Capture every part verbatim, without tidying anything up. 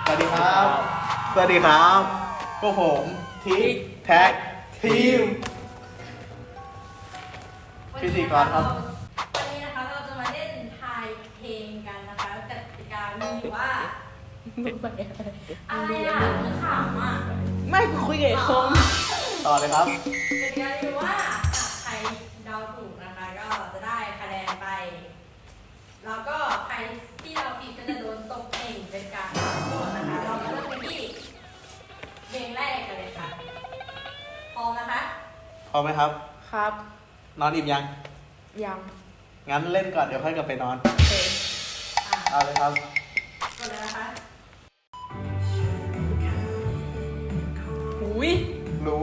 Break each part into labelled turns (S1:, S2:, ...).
S1: สวัสดีครับ สวัสดีครับพวกผมทิกแท็กทีมพิธีกรครับ
S2: วันนี้นะคะเราจะมาเล่นทายเพลงกันนะคะกติกามีอยู่ว่าอะไรอ่ะมือขำอ่ะ
S3: ไม่กูคุยกับไอ้คม
S1: ต่อเลยครับ
S2: กติกามีอยู่ว่าใครเดาถูกนะคะก็จะได้คะแนนไป แล้วก็ใครที่เดาผิดก็จะโดนตกเองเป็นการลงโทษนะคะเรามาเริ่มกันที่เพลงแรกกันเลยค่ะพร้อมนะคะ
S1: พร้อมไหมครับ
S3: ครับ
S1: นอนอิ่มยัง
S3: ยัง
S1: งั้นเล่นก่อนเดี๋ยวค่อยกลับไปนอน
S3: โอเค
S2: อ่ะ
S1: เอาเลยครับ
S2: กดเลยนะคะ
S3: หุย
S1: รู้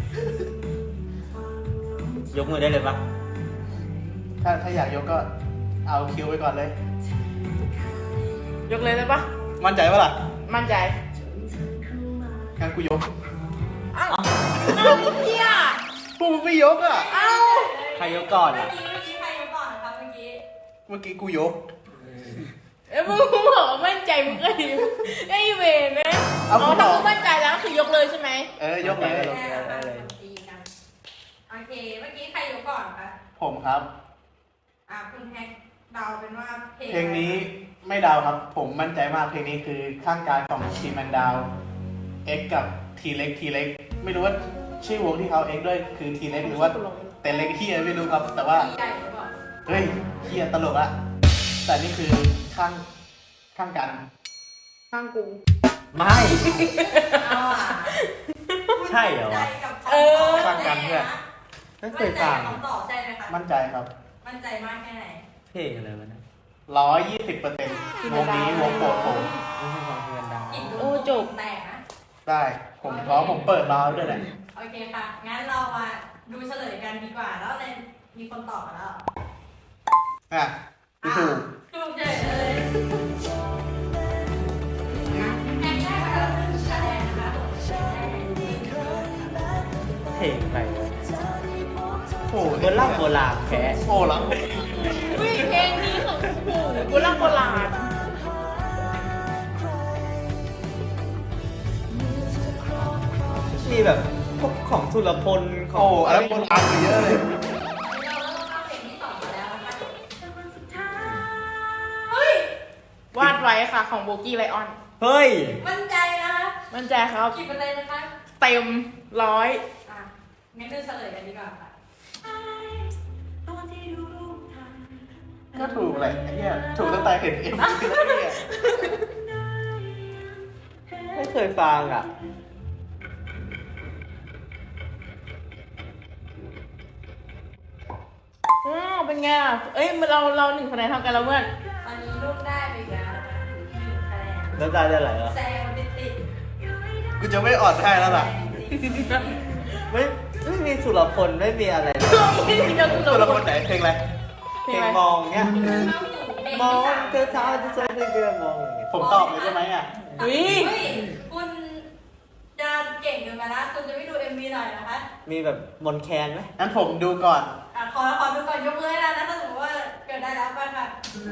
S4: ยกมือได้เลยปะ
S1: ถ้าถ้าอยากยกก็เอาคิวไปก่อนเลย
S3: ยกเลยได้ปะ
S1: มั่นใจปะล่ะ
S3: มั่นใจ
S1: งั้นกูยก
S3: อ้าวอ้าวเฮีย
S1: กูไม่ยกอ่ะ
S3: อ้าว
S4: ใครยกก่อน
S2: เมื่อ
S4: อ่ะ
S2: กี้เมื่อกี้ใครยกก่อนนะคะเมื่อกี้
S1: เมื่อกี้กูยก
S3: เอ้ยมึงบอกว่ามั่นใจมึงก็ดีไอ้เวรนะ
S1: เอา
S3: อ๋อ
S1: กูบ
S3: ถ้า
S1: อก
S3: มึงมั่นใจแล้วคือยกเลยใช่ไหม
S1: เออยกเลย
S2: แม่ค่ะตีกันโอเค เมื่อกี้ใครยกก่อนคะ
S1: ผมครับ
S2: อ่ะคุณแฮกเดาเป็นว่าเพลง
S1: เพลงนี้ไม่ดาวครับ ผมมั่นใจมากเพลงนี้คือข้างกายของทีแมนดาวเอ็กกับทีเล็กทีเล็กไม่รู้ว่าชื่อวงที่เขาเอ็กด้วยคือทีเล็กหรือว่าแต่เล็กเฮียไม่รู้ครับ แต่ว่า
S2: ใหญ่หรือเปล่า
S1: เฮ้ยเฮียตลกอะแต่นี่คือข้างข้างกัน
S3: ข้างกู
S4: ไม่
S2: เอาอ่ะ
S4: ใช่เหรอวะ
S3: เออ
S1: ข้างกันเพื่อน
S4: ไม่เคยฟัง
S2: มั่นใจกับคำตอบใช่ไหมคะ
S1: มั่นใจครับ
S2: มั่นใจมากแค่ไหน
S4: เพลงอะไรวะเนะ
S1: ร้อยยี่สิบเปอร์เซ็นต์วงนี้วงโปรดผม
S4: ไม่ใช่ฟังเพลงดัง
S2: กินดู
S3: โอ้จบ
S2: แตกนะ
S1: ได้ผมเพราะผมเปิดราวด้วยแหละ
S2: โอเคค่ะ งั้นเรามาดูเฉลยกันดีกว่า แล้วในมีคนตอบมาแล้ว
S1: อ่ะกูถูก
S2: ถูกเฉยเลยนะแฮกได้มาแล้วหนึ่งคะแนนนะคะ
S4: เพลงอะไรวะ
S1: โอ้
S4: โบราณโบราณแค่
S1: โอ้แล้ว
S3: อุ้ยเพลงนี้ของกูโบราณโบราณ
S4: มีแบบพวกของสุรพลขอ
S1: โอ้
S4: ง
S1: อะไรโบราณกว่าเยอะเลย
S2: เราเริ่มเข้าเพลงที่สองมาแล้วนะคะเฮ้ย
S3: วาดไว้ค่ะของโบกี้ไลออน
S4: เฮ้ย
S2: มั่นใจนะคะ
S3: มั่นใจครับ
S2: กี่เปอร์เซ็นต์นะคะ
S3: เต็มร้อย
S2: อ่ะงั้นดูเฉลยกันดีกว่าค่ะ
S1: ก็ถูกแหละไอ้เหี้ยถูกตั้งแต่เห็นเอ็มวีแล้วเนี่ย
S4: ไม่เคยฟังอ่ะ
S3: อ้าวเป็นไงอ่ะเอ้ยเราเราหนึ่งคะแนนเท่ากันแล้วเพื่อน
S2: ตอนนี้ลูกได้ไปอีกแล้วนะคะหนึ่งคะแนน
S4: แล้วได้ได้อะไรอ่ะ
S2: แซงติดติด
S1: กูจะไม่อ่อนให้แล้วล่ะ
S4: ไม่ไม่มีสุรพลไม่มีอะไรเลย
S3: ไม่ได้จะกู
S1: ตัว
S3: จะ
S1: ละครไหนเพลงอะไร
S4: เพลงมองเนี้ย
S2: เข้าสู่เพลง
S4: มอง
S2: ที่สาม
S4: เธอเท้าจะใส่เสื้อมองอย่างเงี้ย
S1: ผมตอบเลยได้ไหมอ่ะ
S3: อุ้ย
S2: เฮ้ยคุณจะเก่งเกินไปนะคุณจะไม่ดู เอ็ม วี หน่อยนะคะ
S4: มีแบบมนแคนไหม
S1: งั้นผมดูก่อน
S2: อ่ะขอขอดูก่อนยกมือให้ได้นะถ้าสมมติว่าเกิดได้แล้วไปค่ะ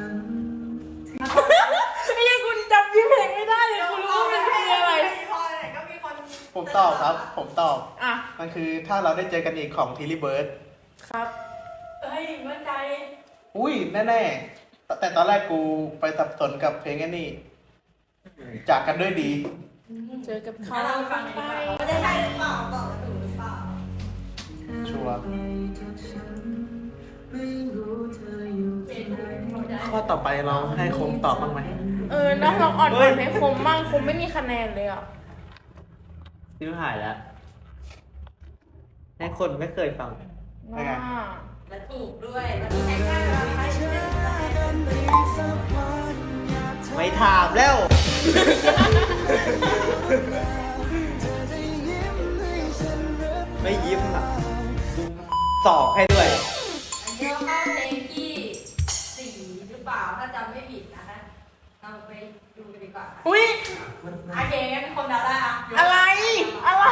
S3: ไอ้ยังคุณจำชื่อเพลงไม่ได้เลยคุณรู้ว่ามันคืออะไร
S2: พอไหนก็มีคน
S1: ผมตอบครับ ผมตอบ
S3: อ่ะ
S1: มันคือถ้าเราได้เจอกันอีกของทีรีเบิร์ด
S3: ครับ
S2: เฮ้ยมั่นใจ
S1: อุ้ยแน่ๆ แต่ตอนแรกกูไปสับสนกับเพลงอันนี้ จากกันด้วยดี
S3: เจอกับเขา
S2: ถ้าเราฟังกันดีกว่าว่าจะใช่หรือเปล่าตอบถูกหรือเปล่า
S1: ชัวร์
S2: เป็นหมดได้
S1: ข้อต่อไปเราให้คมตอบบ้างไหม
S3: เออนะลองอ่อนอ่อนให้คมมั่งคมไม่มีคะแนนเลยอ่ะ
S4: ชื่อหายแล้ว ให้คนไม่เคยฟัง
S3: ว่า
S2: และถูกด้วยตอนนี้ใช้ได้แล้วนะคะชื่อหนึ่งคะแนน
S4: ไม่ถามแล้ว ไม่ยิ้มอ่ะสอบให้ด้วย
S2: อันนี้เราเข้าเพลงที่สี่หรือเปล่าถ้าจำไม่ผิดนะคะเราไปดูกันดีกว่าค่ะ
S3: อุ้ย
S2: โอเคงั้นคนเดาได้อะ
S3: อะไร อะไร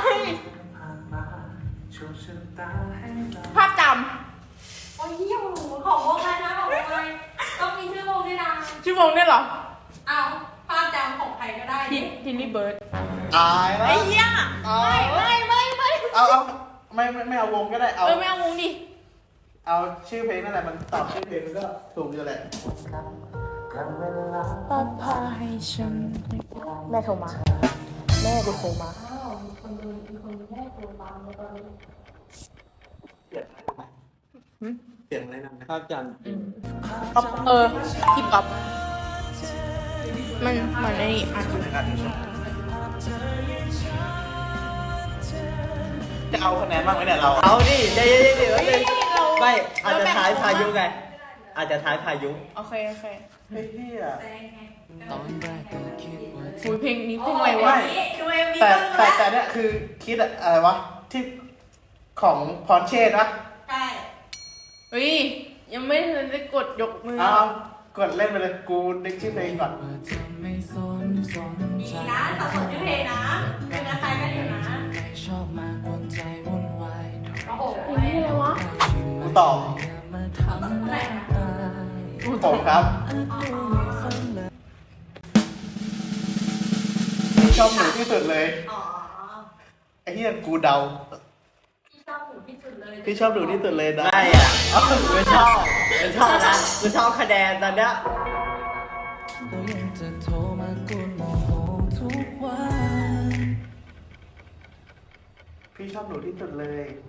S3: ภาพจ
S2: โอ้ยเหี้ยโอ้โหของวงอะไรนะของวงอะไรต้องมีชื่อวงด้วยนะ
S3: ำชื่อวงเนี่ยเหรอ
S2: เอาภาพจำของใครก็ได้
S3: ทิทิลลี่เบิร์ด
S1: อายแล้ว
S3: ไอ้เหี้ยไม่ไม่ไม่ไม่
S1: เอาเอาไม่ไม่ไม่เอาวงก็ได้เอา
S3: เออไม่เอาวงดิ
S1: เอาชื่อเพลงนั่นแหละมันตอบชื่อเพลงมันก็ถูกอยู่แหละ
S3: ป้าพาให้ฉันแม่โทรมา แม่กูโทรมา
S2: อ้าวมีคนดูมีคนดูแม่โทรตามมาตอนนี้
S1: เสียงอะไรนั่นนะ
S4: ภาพจันทร์
S3: เออฮิปฮอปมันมันไอ้นี่อ่ะ
S1: จะเอาคะแนนบ้างไหมเนี่ยเรา
S4: เอาดิเดี๋ยวเดี๋ยวเดี๋ยว
S3: เฮ้ยเรา
S4: ไม่อาจจะ
S3: เรแบ่ง
S4: ท้ายพายุไง อาจจะท้ายพายุ
S3: โอเคโอเค
S1: เฮ้ยเฮีย
S2: แซงไง
S5: ตอนแรกก็คิดว่า
S3: หุยเพลงนี้เพลงอะไรวะ
S2: ดูเอ็มวี
S1: แต่
S2: ก็รู้
S1: แต่
S2: แล้ว
S1: แต่เนี่ยคือคิดอะอะไรวะที่ของพรเชษนะ
S2: ใช่
S3: เฮ้ยยังไม่ทันได้กดยกมือ
S1: เอาเอากดเล่นไปเลยกูนึกชื่อเพลงก่อน
S5: ว่าเธอไม่สนสน
S2: ดี
S5: ใจ
S2: นะสับสนชื่อเพลงนะเป็นคล้ายๆกันอยู่นะ
S5: ไม่ชอบมากวนใจวุ่นวาย
S2: โอ้โห
S3: เพลงนี้อะไรวะ
S1: กูตอบ
S5: อย่ามาทำร้าย
S1: ผมครับชอบหนูที่สุดเลย
S2: อ๋อ
S1: ไอ้เหี้ยกูเดา
S2: พี่ชอบหนูที่สุดเลย
S1: พี่ชอบหนูที่สุดเลยนะ
S4: ไม่อ่ะไม่ชอบไม่ชอบนะไม่ชอบคะแนนตอนเนี้ย
S5: ก็ยังจะโทรมากวนโมโหทุกวัน
S1: พี่ชอบหนูที่สุดเลย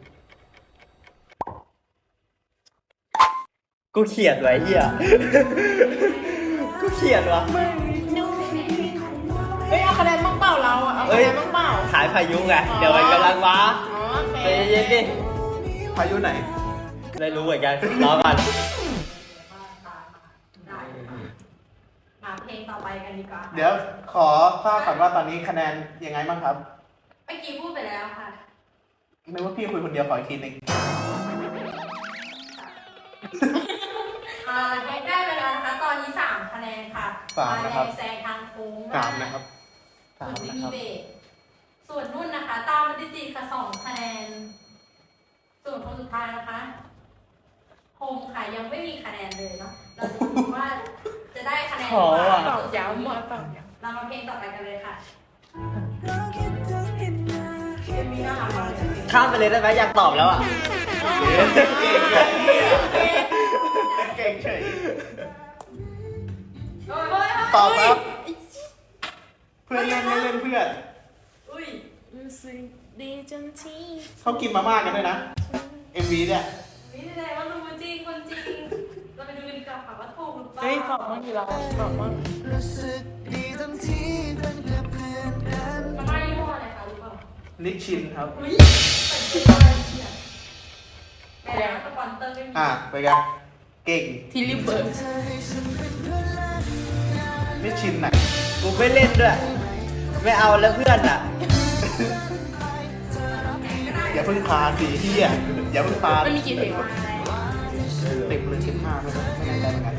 S4: กูเขียนไว้เหี้ยกูเขียนวะ
S3: เฮ้ยเอาคะแนนบ้างเปล่าเราอะเอาคะแนนบ้างเปล่า
S4: ขายพายุไง เดี๋ยวมันกำลังมา
S3: อ๋อโอเค
S4: ใจเย็นๆดิ
S1: พายุไหน
S4: ไม่รู้เหมือนกันรอก่อน
S2: ได้มาเพลงต่อไปกันดีกว่า
S1: เดี๋ยวขอทราบก่อนว่าตอนนี้คะแนนยังไงบ้างครับ
S2: เมื่อกี้พูดไปแล้วค่ะ
S1: นึกว่าพี่คุยคนเดียวขออีกทีหนึง
S2: อ่าให้ได้ไปแล้วนะคะ ตอนนี้สามคะแนนค่ะ
S1: สามนะครับ
S2: แซงทางโค้ง
S1: สามนะครับ
S2: ส่
S1: สา
S2: วน
S1: ม
S2: ไม่
S1: นะ
S2: มี
S1: ครับ
S2: เบรกส่วนนุ่นนะคะ ตามมาติดๆค่ะสองคะแนน ส่วนคนสุดท้ายนะคะโฮมค่ะยังไม่มีคะแนนเลยเนาะ เราจะดูว่าจะได้คะแนน
S4: ขอว่ะ
S3: ตอบย้ำว่าตอบย้
S2: เรามาเพลงต่อไปกันเลยค่ะเอ็มวีน่ารักมากเลย
S4: ข้ามไปเลยได้ไหมอยากตอบแล้วอ่ะ
S1: เก่งเฉย
S2: เฮ้ยเฮ้ย
S1: ตอบครับ เพื่อนเล่นไม่เล่นเพื่อน
S2: อุ้ย
S3: ำรู้สึกดีจังที่
S1: เขากินมาม่ากันด้วยนะ เอ็มวีเนี่ย
S2: นี่แสดงว่ารู้จริงคนจริง เราไปดูกันดีกว่าค่ะว่าถูกหรือเปล่า
S3: เฮ้ยตอบบ้างกี่เราตอบบ้าง
S5: รู้สึกดีทั้งที่เป็นแค่เพื่อนกัน
S2: มาม่ายี่ห้ออะไรคะรู้เปล่า
S1: นิชชินครับ
S2: อุ้ยเป็นชื่ออะไรเนี่ยแต่แล้วสปอนเซอร์ไม่มี
S1: อ่ะไปกันเก่ง
S3: ทิลลี่เบิร์ด
S1: นิชชินไหน
S4: กูไม่เล่นด้วย ไม่เอาแล้วเพื่อนอ่ะ
S1: อย่าเพิ่งพาสิเฮียอย่าเพิ่งพา
S3: มันมีกี่เพลงวะ
S1: สิบหรือสิบห้าไม่รู้ไม่แน่ใจเหมือนกัน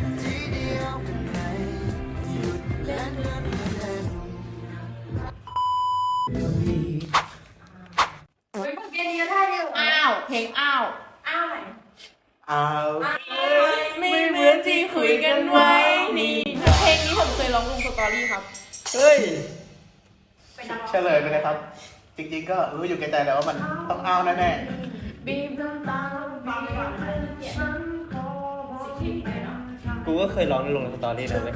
S2: เฮ้ยเพลงนี้ก็ได้เดียว
S3: อ้าวเพลงอ้าว
S2: อ้าวไหน
S1: อ้าว
S2: อ้าว
S3: ไม่เหมือนที่คุยกันไว้นี่นะเพลงนี้ผมเคยร้องลงสตอรี่ครับ
S4: เฮ้ย
S2: เป็นนักร้อง
S1: เฉลยไปเลยครับ จริงๆก็รู้อยู่แก่ใจแล้วว่ามันต้องอ้าวแน่
S3: บีบน้ำตา
S2: ฟังไปก่อนนะเกลียดสิ่งที่ผิดเลยเนาะ
S4: กูก็เคยร้องลงในสตอรี่นะเว้ย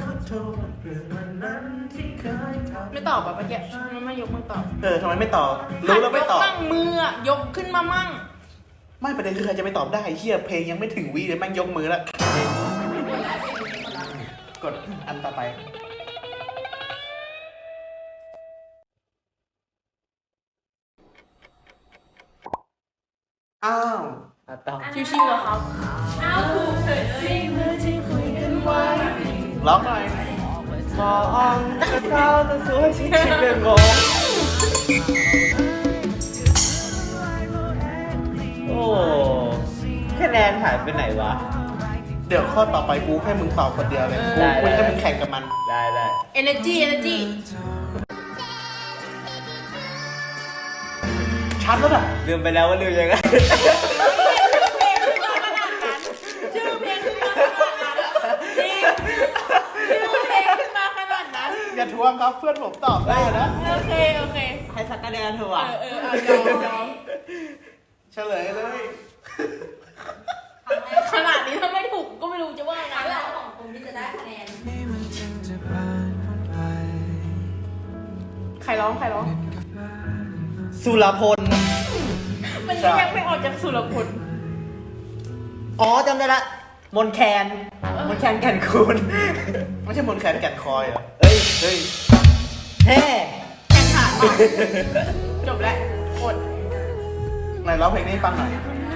S3: ไม่ตอบแบบเมื่อกี้มันไม่ยกมือตอบ
S1: ๆเออทำไมไม่ตอบรู้แล้วไม่ตอบ
S3: ยกมั่งมืออะยกขึ้นมามั่ง
S1: ไม่ประเด็นคือใครจะไม่ตอบได้เฮียเพลงยังไม่ถึงวิเลยแม่งยกมือแล้ว กดอันต่อไป อ้าว
S4: อ่ะต้อง
S3: ชิวๆอะครับ
S2: อ้าวถูกเฉยเลย
S1: ร้องหน่อย
S4: มองเท้าตัวสวยชิคๆก็งงโอ้คะแนนหายไปไหนวะ
S1: เดี๋ยวข้อต่อไปกูให้มึงตอบคนเดียวเลย
S4: ได้
S1: กู
S4: ได้
S1: กูให้มึงแข่งกับมัน
S4: ได้ได้
S3: energy energy
S1: ชัดแล้วอ่ะ
S4: ลืมไปแล้วว่าลืมยังไง
S3: ชื่อเพลงขึ้นมาขนาดนั้นจริงชื่อเพลงขึ้นมาขนาดนั้น
S1: อย่าทวบ้างครับ เพื่อนผมตอบได้นะ
S3: โอเคโอเค
S4: ให้สักคะแนนเถอะ
S3: เอ
S4: ว่ะ
S3: อเออเอายอมยอม
S1: เฉลยเลย
S3: ขนาดนี้ถ้าไม่ถูกก็ไม่รู้จะว่าไง
S2: ครั้งแร
S3: แล้ว
S2: กของผมที่จะได้คะแนน
S5: นี่มันจึงจะผ่านพ้นไป
S3: ใครร้องใครร้อง
S4: สุรพล
S3: มันยังไม่ออกจากสุรพล
S4: อ๋อจำได้ละ มนแคน มนแคนแก่นคูณ
S1: ไม่ใช่มนต์แคนแก่นคอยเหรอ
S4: เฮ้ย
S1: เฮ้ย
S4: แฮ่
S3: แข่งขันว่ะจบแล้วอด
S1: ไหนร้องเพลงนี้ให้ฟังหน่อย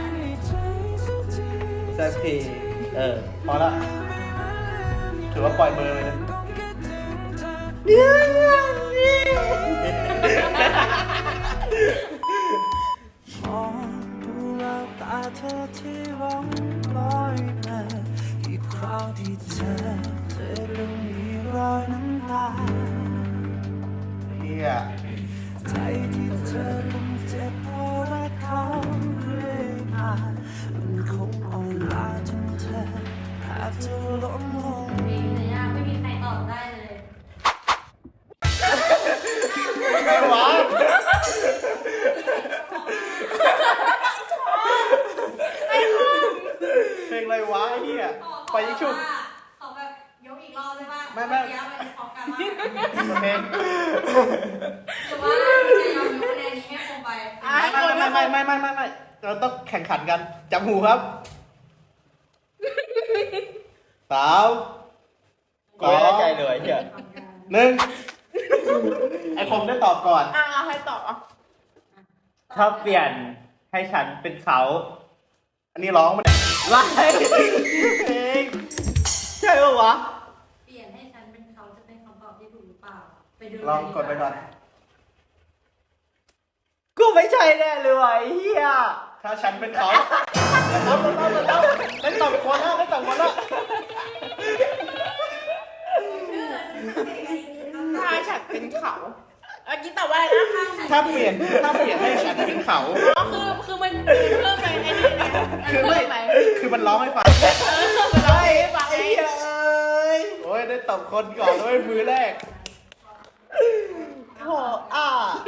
S4: สักทีเออ
S1: พอละถือว่าปล่อยเบอร์เลยนะ
S5: มองดูแววตาเธอที่ร้องลอยมาอีกคราวที่เธอเธอดูมีรอยน้ำตา
S1: เฮีย
S5: ใจที่เธอคงเจ็บเพราะรักเขาเรื่อยมามันคงอ่อนล้าจนเธอแทบจะล้มลง
S2: เพลงนี้ยไม่มีใครตอบได้เลย
S1: ไม่หวะเพลงอะไรวะไอ้เฮียไปยิ่งชุบ
S2: ขอแบบยกอีกรอบได้ป่ะ
S1: ไม่ไม่
S2: เมื่อกี้มันพร้อมกันมาก
S1: เพลง
S2: หรือว่าจะยอมยกคะแนนนี้ให้คงไป
S3: อ่ะ
S1: ไม่ไม่ไม่ไม่ไม่ไม่ไม่เราต้องแข่งขันกันจับหูครับสาม
S4: กูไม่ได้ใจเลยเฮีย
S1: หนึ่งไอผมได้ตอบก่อน
S3: อ่ะเอาให้ต่อ
S4: ถ้าเปลี่ยนให้ฉันเป็นเขา
S1: อันนี้ร้องมัน
S4: ว้ายเพลงใช่ปะวะ
S2: เปลี่ยนให้ฉันเป็นเขาจะเป็นคำตอบที่ถูกหรือเปล่า ไปดู
S1: ลองกดไปก่อน
S4: กูไม่ใช่แน่เลยว่ะไอ้เฮีย
S1: ถ้าฉันเป็นเขาแล้วแล้วแล้วแล้วได้ตอบคนแล้วได้ตอบคนแล้ว
S3: ถ้าฉันเป็นเขาเมื่อกี้ตอบว่าอะไรนะ
S1: ถ้าเปลี่ยนถ้าเปลี่ยนให้ฉันเป็นเขา
S3: อ๋อคือคือมันเพิ่มไปไอ้นี่เนี่ยมัน
S1: คือ
S3: เพิ่
S1: ไม่
S3: มไป
S1: คือมันร้องให้ฟัง
S3: เออมันร้องให้ฟังไอ้
S4: ไอ้เหี้ยเอ้ย
S1: โอ้ยได้ตอบคนก่อนด้วยมือแรก
S4: โหอ่ะ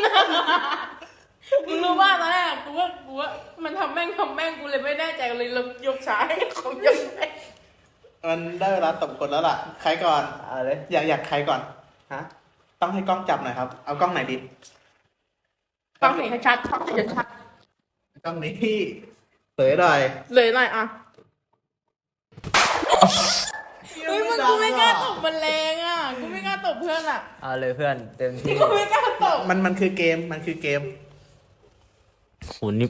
S3: มึงรู้ว่าตอนแรกกูว่ากูว่ามันทำแม่งทำแม่งกูเลยไม่แน่ใจเลยเรายกช้าให้เขายกไป
S1: มันได้เวลาตอบคนแล้วล่ะ ใครก่อน
S4: เอาเลย
S1: อยากอยากใครก่อน
S4: ฮะ
S1: ต้องให้กล้องจับหน่อยครับ เอากล้องไหนดี
S3: ต้องเห็นให้ชัดต้องเห็นชัด
S1: กล้องนี้พี่เผยหน่อย
S3: เลยหน่อยอ่ะเฮ้ยมันกูไม่กล้าตบมันแรงอ่ะกูไม่กล้าตบเพื่อนอ่ะ
S4: เอาเลยเพื่อนเต็มที่
S3: กูไม่กล้าตบ
S1: มันมันคือเกม มันคือเกม
S4: โหนี่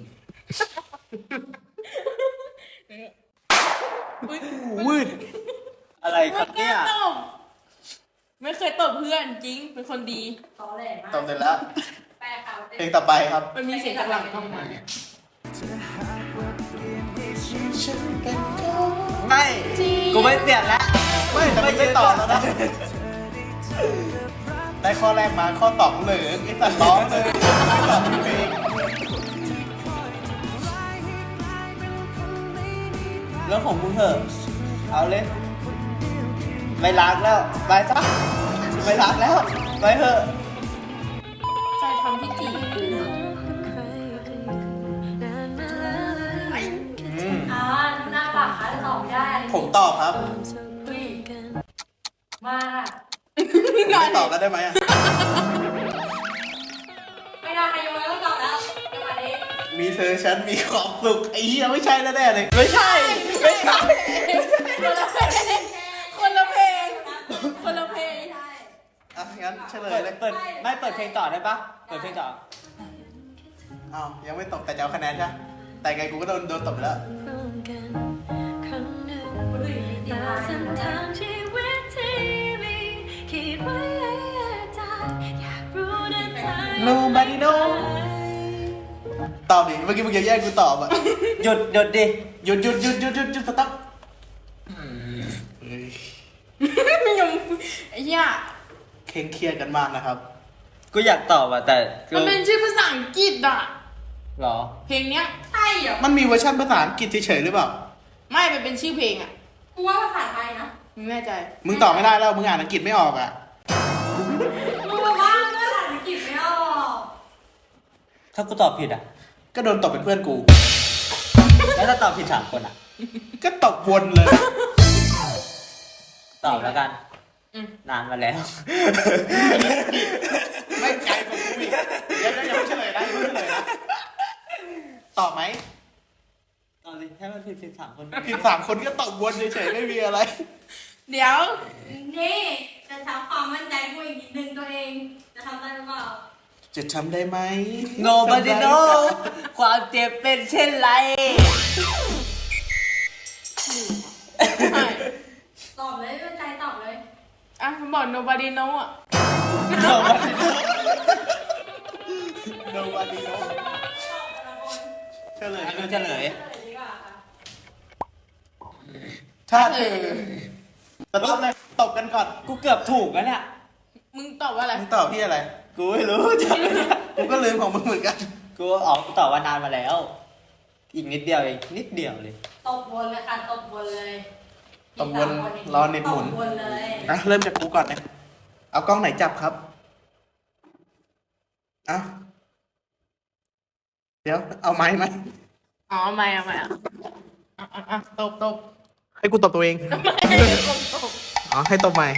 S3: อุ๊ย
S1: วืด
S4: อะไรครับ
S3: ไม่ก
S4: เนี่
S3: ล้าย ตบไม่เคยตบเพื่อนจริงเป็นคนดี
S2: ตอแหลมาก
S1: ตอบเสร็จแล้ว
S2: แปลเขา
S1: เพลงต่อไปครับ
S3: มันมีเสียงจากหลังเข้ามา
S1: ไม่
S4: กูไม่เปลี่ยนแล้ว
S1: ไม่แต่มันไม่ตอบแล้วนะ ได้ข้อแรกมาข้อตอบเหลืองไอ้สัตว์ร้องเลยไม่ตอบเพลง
S4: เรื่องของมึงเถอะ เอาเลย ไม่รักแล้ว ไปซะไม่รักแล้ว ไปเถอะ
S3: ใครทำพิธีกู
S1: อืม
S2: อ่าหน้าปากค่ะจะตอบไม่ได้
S1: ผมตอบครับ
S2: เฮ้ยมาก
S1: ไม่ตอบแล้วได้ไหมอ่ะ
S2: ไม่ได้ใครโยนแล้วต้องตอบแล้วจังหวะนี้
S1: มีเธอฉันมีความสุขไอ้เหี้ยไม่ใช่แน่ๆเลย
S4: ไม่ใช่ ไม่ใช่
S3: คนละเพลงคนละเพลงคนละเพลง
S2: ใช่
S1: อ่ะงั้นเฉล
S4: เปิ
S1: ย
S4: ด
S1: เลย
S4: เปิด ไม่เปิดเพลงต่อได้ปะเปิดเพลงต่อ
S1: อ้าวยังไม่ตอบแต่จะเอาคะแนนใช่ไหมแต่ไงกูก็โดนโดนตบไปแล้ว
S2: คนอื่นมีติดมา
S6: เส้นทางชีวิตที่มีคิดไว้ใจอยากรู้นะเธอ
S1: Nobody know ตอบดิเมื่อกี้มึงจะแย่งกูตอบอ่ะ
S4: หยุดหยุดดิ
S1: หยุดหยุดหยุดหยุดหยุดหยุดสต๊อปเฮ้ย
S3: ยังไอ้เหี้ย
S1: เคร่งเครียดกันมากนะครับ
S4: กูอยากตอบอ่ะแต่กู
S3: มันเป็นชื่อภาษาอังกฤษอ่ะ
S4: หรอ
S3: เพลงเนี้ย
S2: ใช่เหรอ
S1: มันมีเวอร์ชันภาษาอังกฤษเฉยๆหรือเปล่า
S3: ไม่มันเป็นชื่อเพลงอ่ะ
S2: กูว่าภาษาไทยนะ
S3: มึงแน่ใจ
S1: มึงตอบไม่ได้แล้ว มึงอ่านอังกฤษไม่ออกอ่ะ
S2: มึงมาว่าเรื่องอังกฤษไม่ออก
S4: ถ้ากูตอบผิดอ่ะ
S1: ก็โดนตบเป็นเพื่อนกู
S4: แล้วถ้าตอบผิดสามคนอ่ะ
S1: ก็ตบวนเลย
S4: ตอบแล้วกัน
S3: อืม
S4: นานมาแล้ว
S1: ไม่ไกลกว่ากูอีกเดี๋ยวเดี๋ยวอย่าเพิ่งเฉลยนะอย่าเพิ่งเฉลยนะตอบไหม
S4: ตอบสิให้มันผิดผิดสามคน
S1: ผิดสามคนก็ตบวนเฉยๆไม่มีอะไร
S3: เดี๋ยว
S2: นี่จะทำความมั่นใจกูอีกนิดนึงตัวเอง จะทำได้หรือเปล่า
S1: จะทำได้ไหม
S4: โนบ a ดิโนความเจ็บเป็นเช่นไร
S3: ใช่
S2: ตอบเลยมั่นใจตอบเลย
S3: อ่ะบอก nobody know อ่ะ
S4: โนบ a ดิโน
S1: โนวันดีโน
S2: ตอบแต่ละคน
S1: เฉลย
S4: อันนี้เฉลย
S2: เฉลยดีกว่าค่ะ
S1: ถ้าเธอจะตบเลยตบกันก่อน
S4: กูเกือบถูกแล้วเนี่ย
S3: มึงตอบว่าอะไร
S1: มึงตอบพี่อะไร
S4: กูไม่รู้จำไม่ได้
S1: กูก็ลืมของมึงเหมือนกัน
S4: กูออกกูตอบว่านานมาแล้ว อีกนิดเดียวเองนิดเดียวเลย
S2: ตบวนเลยค่ะตบวนเลย
S1: ตบวนรอเน็ตหมุน
S2: ตบวนเลย
S1: อ่ะเริ่มจากกูก่อนนะเอากล้องไหนจับครับอ่ะเดี๋ยว เอาไม้ไหม
S3: อ๋อไม่เอาไม่เอาอ่ะอ่ะอ่ะตบตบ
S1: ให้กูตบตัวเอง
S3: ไม่ตบตบ
S1: อ๋อให้ตบใหม่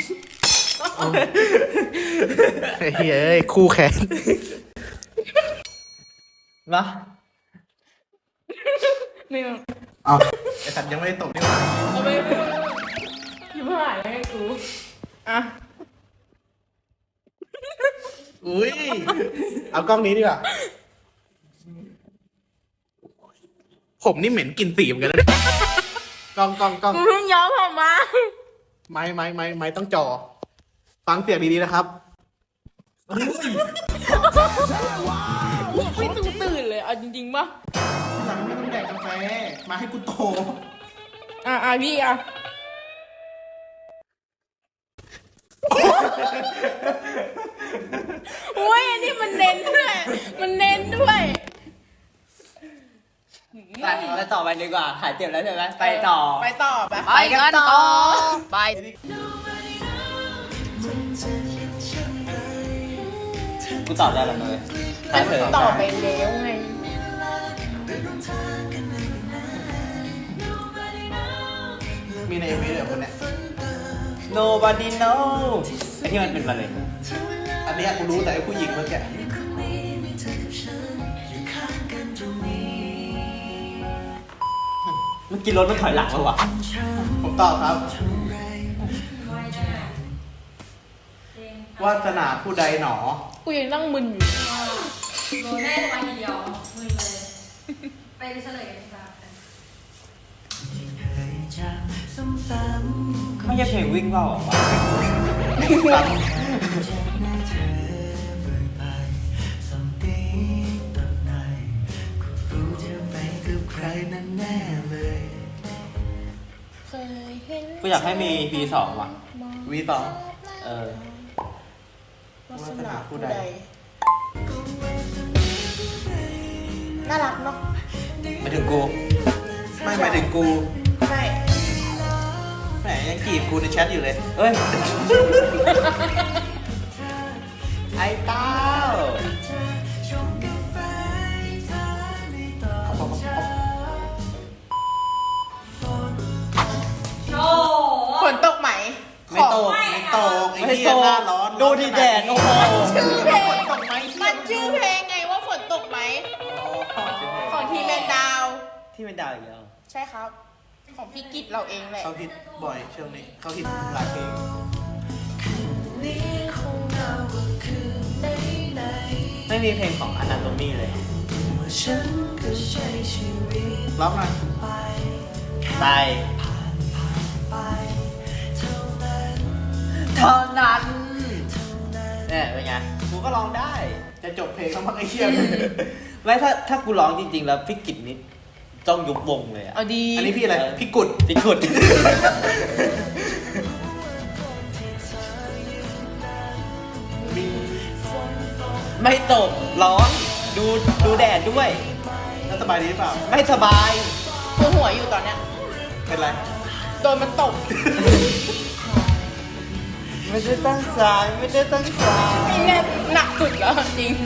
S1: ไอ้เฮ้ยเอ้ยคู่แข่ง
S4: มา
S3: นี่
S1: อ๋อไอ้สัตว์ยังไม่ได้ตบนี่หว่า
S3: เอาไปไปยิ้มหายเลยให้กูอ่ะ
S1: อุ้ยเอากล้องนี้ดีกว่าผมนี่เหม็นกลิ่นสีเหมือนกันนะเนี่ยกล้องกล้องกล้อง
S3: กูเพิ่งย้อมผมมา
S1: ไม้ไม้ไม้ไม้ต้องจ่อฟังเสียงดีๆนะครับ
S3: ไม่ตื่นตื่นเลยเอาจริงๆป่ะ
S1: หลังไม่ต้องแดกกาแฟมาให้กูโต
S3: อ่ะอ่ะพี่อ่ะโอ้ยอันนี้มันเน้นด้วยมันเน้นด้วย
S4: ไปไปต่อไปดีกว่าหายเจ็บแล้วใช่ไหมไปต่อ
S3: ไปต่อไป
S4: ไปกันต่อ
S3: ไป
S4: กูตอบได้แล้วเลยถ้าเธอ
S3: ต่อไปแล้วไง
S1: มีในเอ็มวีเดี๋ยวคนเนี้ย
S4: โนบ o d y know ไอ้ที่มันเป็นมะเร็ง
S1: อันเนี้ยกูรู้แต่ไอ้ผู้หญิงเมื่อกี้
S4: เมื่อกี้รถมันถอยหลังแล้ววะ
S1: ผมตอบครับ วาสนาผู้ใดหนอ
S3: กูยังนั่งมึนอยู่
S2: ว่าโดนแน่วันเดียวมือเลย ไปเฉลยกันดีกว่าค่ะ
S4: ไม่ใช่เพลงวิ่งเปล่าเหรอวะ
S1: ฟัง
S3: เคยเห็น
S4: กูอยากให้มี พี สองว่ะ
S1: วีสอง
S4: เออ
S3: วาสนาผู้ใดน่ารักเนาะ
S4: มาถึงกู
S1: ไม่หมายถึงกู
S3: ไม่
S1: แหมยังจีบกูในแชทอยู่เลย
S4: เอ้ย ไอ้เต้า
S2: โอ้โห
S3: ฝนตกไหม
S1: ไม่ตก
S3: ขอ
S1: ไม่ตกไอ้
S4: ไม่
S1: เหี้ย
S4: โต
S1: หน้าร้อน
S4: ดูดิแดด โอ้โห
S3: ชื่อเพลง
S1: ตกไหม
S3: มันชื่อเพลงไงว่าฝนตกไหม ของทีแมนดาว
S4: ที่เป็นดาวอีกแล้ว
S3: ใช่ครับ ของพี่กิตเราเองแหละ
S1: เขาฮิตบ่อยช่วงนี้เขาฮิตหลายเพลง
S4: ไม่มีเพลงของ Anatomy เลย
S1: ร้องหน่อย
S4: ตายเท่านั้นเนี่ยเป็นไง กูก็ร้องได้
S1: จะจบเพลงแล้วมั้งไอ้เหี้ย
S4: ไม่ถ้าถ้ากูร้องจริงๆ แล้วพี่กิจนี่ต้องยุบวงเลยอะ
S3: เอาดี
S1: อันนี้พี่อะไร พี่กุด
S4: พี่กุด
S1: มี
S4: ไม่ตกร้อน ดูดูแดดด้วย
S1: แล้วสบายดีหรือเปล่า
S4: ไม่สบาย
S3: ปวดหัวอยู่ตอนเนี้ย
S1: เป็นไร
S3: โดนมันตก
S4: ไม่ได้ตั้งใจไม่ได้ตั้งใจ
S3: ไอ้เนี่ยหนักสุดแล้วจริง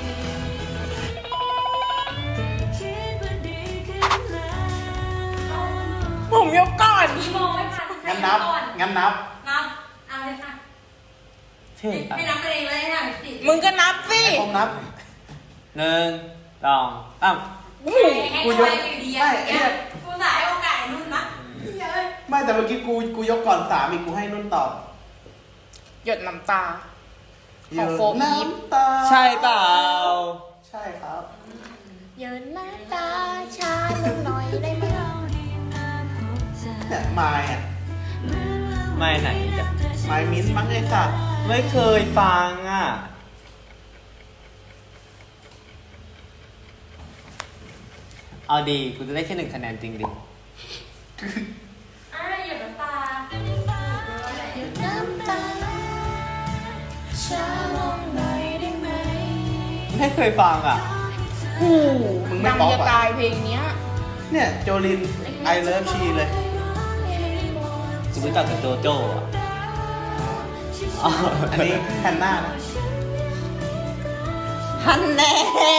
S3: ผมยกก่อน
S2: มีโมไม่ทัน
S1: งั้นนับ
S2: ก่อน
S1: งั้นนับ
S2: นับเอาเลยค่ะ
S4: เท่อะ
S2: ให้นับกันเองเลยค่ะติด
S3: มึงก็นับสิ
S1: ผมนับ
S4: หนึ่งสองสาม
S3: โอ้โห
S2: ให้
S1: กู
S2: กู
S1: ย
S2: ย
S1: ก
S2: กอยู่ดีอะเนี่ยกูสายโอกาสนุ่นนะเยอะ
S1: ไม่แต่เมื่อกี้กูกูยกก่อนสามอีกกูให้นุ่นตอบ
S3: หยดน้ำตา ของโฟอีฟ
S1: น้ำตา
S4: ใช่เปล่า
S1: ใช่ครับ
S3: หยดน้ำตาชาลงหน่อยได้ไหม
S1: เนี่ยมายอ่ะ
S4: ไม่ไหนจ้ะ
S1: มายมิ้นท์มั้งไอ้สัตว์
S4: ไม่เคยฟังอ่ะ เอาดี กูจะได้แค่หนึ่งคะแนนจริงดิ
S2: อ่ะหยดน้ำตา
S3: หยดน้ำตาชาลงหน่อยได้ไหม
S4: ไม่เคยฟังอ่ะ
S3: โอ้โหดังจะตายเพลงเนี้ย
S1: เนี่ยโจลิน I love she เลย
S4: กูรู้จักแต่โจโจ้อะอ๋อ
S1: อันนี้แฮนนานะ
S4: ฮันแน่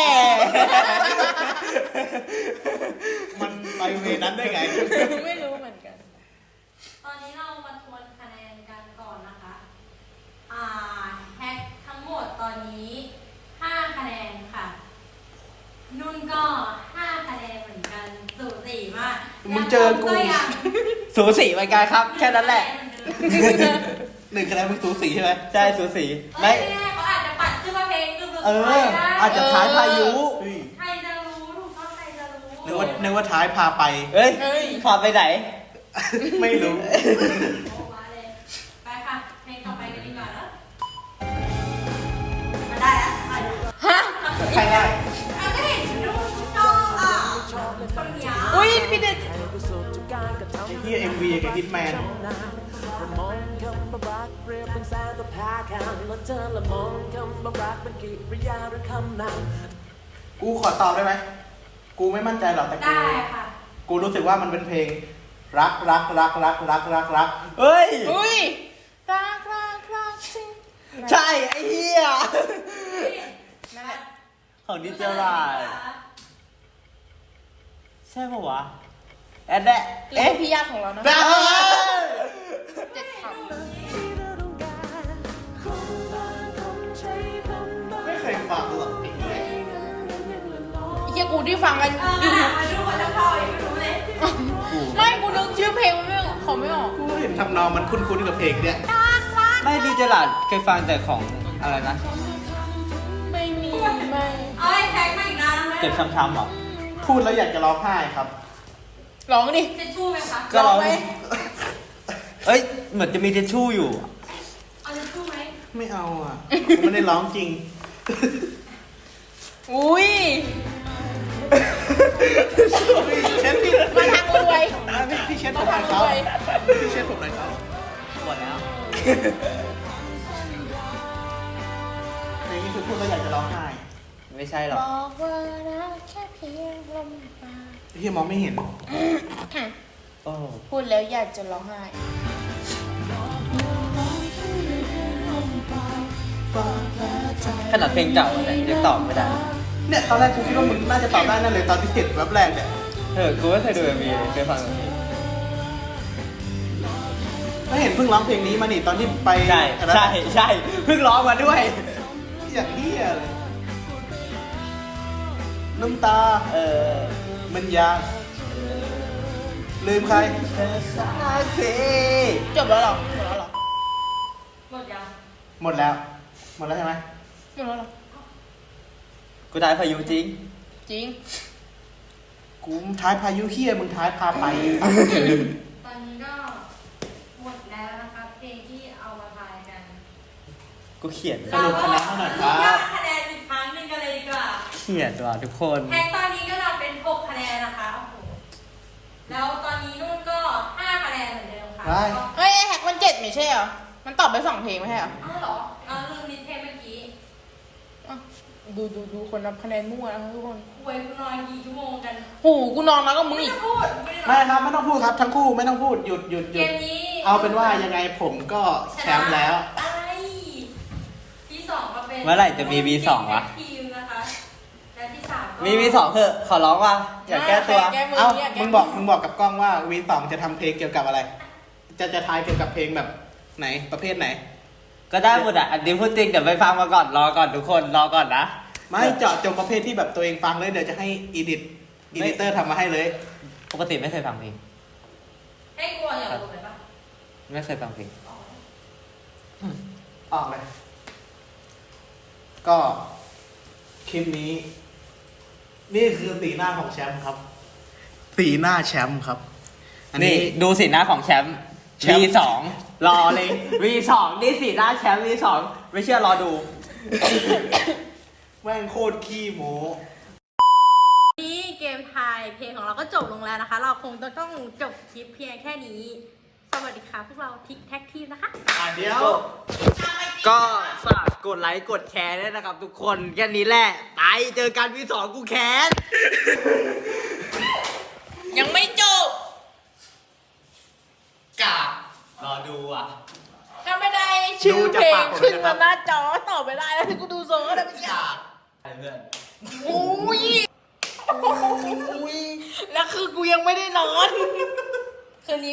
S1: มันไปเวนั้นได้ไง
S3: ไม่รู้เหมือนกัน
S2: ตอนนี้เรามาทวนคะแนนกันก่อนนะคะ อ่าแฮกทั้งหมดตอนนี้ห้าคะแนนค่ะ นุ่นก็ห้าคะแนนเหมือนกันสูสีมาก
S1: มึงเจอกู
S2: ยัง
S4: สูสีเหมือนกันครับ แค่นั้นแหละ
S1: หนึ่งคะแนนมึงสูสีใช่ไหม
S4: ใช่สูสี
S2: ไม่
S4: ไม่
S2: แน่เขาอาจจะปัดขึ้นมาเพลงคือ
S1: เออ อาจจะท้ายพายุเฮ้ย
S2: ใครจะรู้ถูกต้องใครจะรู้
S1: นึกว่านึกว่าท้ายพาไป
S4: เอ้ย
S3: เอ้ย
S4: พาไปไหน
S1: ไม่รู้
S2: โอ้มาเลยไปค่ะเพลงต่อไปกันดีกว่าเนอะมาได้แล้วมาแล้ว
S3: ฮะ
S1: ใครได้
S2: อ่ะก็เห็นนุ่นชอบอ่ะคนเนี้ย
S3: อุ้ยพี่เดช
S1: ไอ้ที่เอ็มวีกับฮิตแมน
S5: มองคำว่ารักเปรียบเป็นแสงตัวพาคันแล้วเธอละมองคำว่ารักเป็นกิริยาหรือคำนาม
S1: กูขอตอบได้ไหม กูไม่มั่นใจหรอกแต่กู
S2: ได้ค่ะ
S1: กูรู้สึกว่ามันเป็นเพลง รักรักรักรักรักรักรัก
S4: เฮ้ย
S3: อุ้ยรักรักรักจริง
S4: ใช่ ไอ้เหี้ย
S3: นั่นแหละ
S4: ของดิจิทัลใช่ปะวะ แอดแดะ
S3: เอ๊ะ
S4: เอ๊ะ
S3: พี่ยากของเรานะ
S4: ได้
S3: เจ็ดค
S1: ไม่เคยฟังหรอกไอ้เหี้ย
S3: ำเฮียกูที่ฟังกัน
S2: เออ
S3: อยู่
S2: หามาดูคนจะพอยังไม่รู้เลย
S3: ไม่กูนึกชื่อเพลงมันไม่ออกเขาไม่ออก
S1: กูเห็นทำนองมันคุ้นๆกับเพลงเนี้ย
S4: ไม่ดิจิทัลเคยฟังแต่ของอะไรนะ
S3: ไม่มีไม่
S2: เอาไอ้แท็กมาอีกนานไหม
S4: เจ็บช้ำๆหรอ
S1: พูดแล้วอยากจะร้องไห้ครับ
S3: ร้องดิ
S2: เจะชู่ไหมคะ
S4: ก็ร้อง
S3: ไหม
S4: เอ้ย เหมือนจะมีทิชชู่อยู่
S2: เอาเจะชู่ไหม
S1: ไม่เอาอ่ะ กูไม่ได้ร้องจริง
S3: อุ้ย
S1: เช็ดพี่
S3: มาทางรวย
S1: อ่ะพี่พี่เช็ดผมหน่อยครับพี่เช็ดผมหน่อยครับ
S4: หมดแล้ว
S1: เพลงนี้คือพูดแล้วอยากจะร้องไห้
S4: ไม่ใช่หรอก
S3: บอกว่ารักแค่เพียงลมปาก
S1: พี่มองไม่เห็น
S4: โอ้
S3: พูดแล้วอยากจะร้องไห้
S4: ขนาดเพลงเก่าเนี่ยยังตอบไม่ได้
S1: เนี่ยตอนแรกกูคิดว่ามึงน่าจะตอบได้นั่นเลยตอนที่เห็นแวบแรกเนี่ย
S4: เออ กูไม่เคยดูเอ็มวีเลยเคยฟังแต่เพลง
S1: ก็เห็นเพิ่งร้องเพลงนี้มานี่ตอนที่ไป
S4: ใช่
S1: อันนั้น
S4: ใช่ใช่เพิ่งร้องมาด้วย
S1: อย่างเฮียเลยน้ำตา
S4: เออ
S1: มันยากลืมใคร
S4: เธอสักที
S3: จบแล้วเหรอ หมดแล้วเหรอ
S2: หมดยัง
S1: หมดแล้ว หมดแล้วใช่ไหม
S3: หมดแล้วเหรอ
S4: กูได้พายุจริง
S3: จริง
S1: กูท้ายพายุเฮียมึงท้ายพาไป
S2: ตอนนี้ก็หมดแล้วนะคะเพลงที่เอามาทายกัน
S4: กูเขียน
S1: สรุปคะแนนเท่าไหร่ครับ
S2: ยอดคะแนนอีกครั้งหนึ่งกันเลยดีกว่า
S4: เขียนว่ะทุกคน
S2: แท็กตอนนี้ก็นำเป็นหกคะแนนนะคะโอ้โหแล้วตอนนี้นุ่นก็ห้าคะแนนเหมือนเดิมค่ะ
S1: ได้
S2: ก็
S3: เฮ้ยไอ้แฮกมันเจ็ดไม่ใช่เหรอ มันตอบไปสองเพลงไม่ใช่เหรอ
S2: อ้าวเหรอเราลืมนิดเทปเมื่อกี้
S3: อ่ะดูดูดูคนนับคะแนนมั่วนะคะทุกคน
S2: คุยกูนอนกี่ชั่วโมงกัน
S3: โหูกูนอนแล้วก็มึง
S2: ไม่
S3: อีก
S2: ต้องพูดไม่ได้
S1: ไม่ครับไม่ต้องพูดครับทั้งคู่ไม่ต้องพูดหยุดหยุดห
S2: เก
S1: ยุด
S2: มนี้
S1: เอาเป็นว่ายังไงผมก็แชมป์แล้ว
S2: อ่
S4: เมื่อไหร่จะมี วี สอง วะ
S2: ทีมนะคะและที่สามก็
S4: มี วี สองเถอะขอร้องว่าอย่าแก้ตัว
S2: แก้มือ
S1: เอ้า
S2: เนี่ยแก้
S1: มึงบอกมึงบอกกับกล้องว่าวีสองจะทำเพลงเกี่ยวกับอะไร จะจะทายเกี่ยวกับเพลงแบบไหนประเภทไหน
S4: ก็ได้หมดอ่ะอันนี้พูดจริงเดี๋ยวไปฟังมาก่อนรอก่อนทุกคนรอก่อนนะ
S1: ไม่เจาะจงประเภทที่แบบตัวเองฟังเลยเดี๋ยวจะให้อีดิทอีดิเตอร์ทำมาให้เลย
S4: ปกติไม่เคยฟังเพลง
S2: ให้กลัวอย่าลงเลยปะ
S4: ไม่เคยฟังเพลง
S1: ออกเลย ก็คลิปนี้ นี่คือสีหน้าของแชมป์ครับ สีหน้าแชมป์ครับ อัน
S4: นี่
S1: นี้
S4: ดูสีหน้าของแชมป์
S1: แชมป์
S4: วี สอง รอเลย วี สอง นี่สีหน้าแชมป์ วี สอง ไม่เชื่อรอดู
S1: แม่งโคตรขี้โม้
S2: นี่เกมทายเพลงของเราก็จบลงแล้วนะคะ เราคงจะต้องจบคลิปเพียงแค่นี้ สวัสดีค่ะพวกเราทิกแท็กทีมนะคะ
S1: อ่ะเดี๋ยว
S4: ก็ฝากกดไลค์กดแชร์ด้วยนะครับทุกคนแค่นี้แหละ ไปเจอกันวี สอง กูแค้น
S2: ยังไม่จบ
S4: กาบรอดูอ่ะ
S2: ถ้าไม่ได้ชื่อเพลงขึ้นมาหน้าจอต่อไม่ได้แล้วที่กูดูโซ่ก็ได้ไม่ยาก
S4: ไปเพื่อน
S2: อุ้ยแล้วคือกูยังไม่ได้นอน คืนนี้